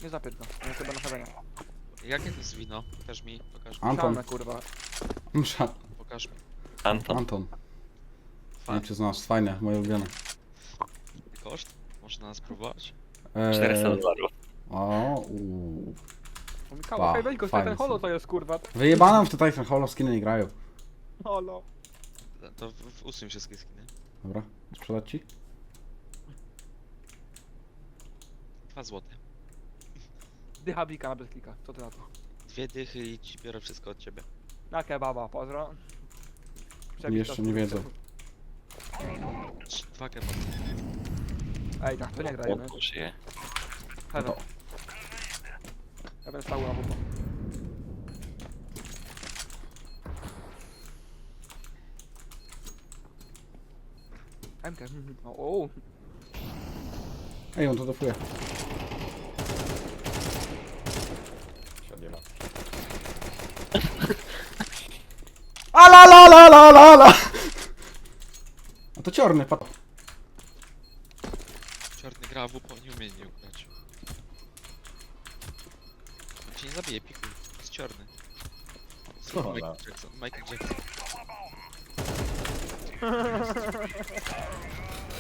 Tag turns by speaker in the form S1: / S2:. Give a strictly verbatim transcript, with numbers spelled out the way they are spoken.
S1: Nie zapię go, ja chyba na chowaniu.
S2: Jakie to jest wino? Pokaż mi, pokaż mi.
S3: Anton.
S1: Szalne, kurwa.
S3: Msza.
S2: Pokaż mi.
S4: Anton.
S3: Anton. Nie
S2: Fan.
S3: wiem czy znasz, fajne, moje ulubione.
S2: Koszt? Można spróbować?
S3: Eee,
S4: czterysta dolarów.
S3: O, uuu.
S1: O
S3: Pa,
S1: Mikołaj, hej, weź go,
S3: fajne
S1: ten holo
S3: są.
S1: to jest, kurwa.
S3: Wyjebano w te Titan Holo, skiny nie grają.
S1: Holo.
S2: To w, w usuń wszystkie skiny.
S3: Dobra, sprzedać ci?
S2: Dwa złote.
S1: Dycha bika na bezklika, co ty na to?
S2: Dwie dychy i ci biorę wszystko od ciebie.
S1: Na kebaba, pozdro.
S3: Oni jeszcze nie wiedzą.
S2: Trzy- Dwa kebaby.
S1: Ej, tak, to nie grajemy.
S4: On żyje.
S1: Heaven.
S3: to.
S1: Ja będę stał na wupa. M K, mhm. O, o.
S3: Ej, on to dofuje. A la la la la la la! A to ciorny, pat.
S2: Czarny gra w upo, nie umie nie ugrać. On cię nie zabije, pikuj. Jest czarny. Zrób
S5: Co
S2: Michael
S5: za-
S2: Jackson, Michael Jackson.